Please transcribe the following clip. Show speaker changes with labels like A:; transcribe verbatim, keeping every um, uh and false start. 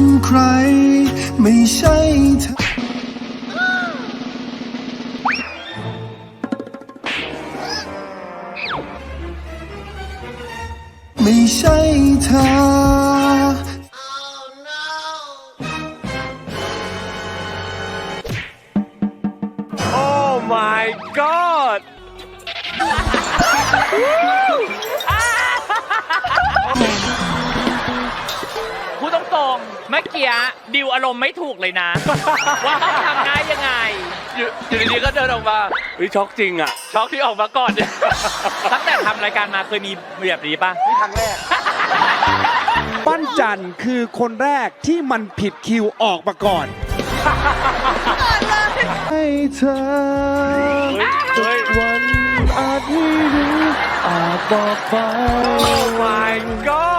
A: เป็นใครไม่ใช่เธอไม่ใช่เธอ
B: Oh my god
C: พูดตรงๆเมื่อกี้ดิวอารมณ์ไม่ถูกเลยนะ ว่าต้องทำได้ยังไง
B: อยู่อยู่ดีๆก็เดินออกมาเฮ้ยช็อกจริงอ่ะ ช็อกที่ออกมาก่อนเนี่ย
C: ตั้งแต่ทำรายการมาเคยมีแบบนี้ปะ
B: นี่ครั้งแรก
D: ปั้นจันคือคนแรกที่มันผิดคิวออกมาก่อน
A: ให้เธอ
B: เฮ้ย
A: วันอาจไม่รู้อาจบอกไป
B: Oh my god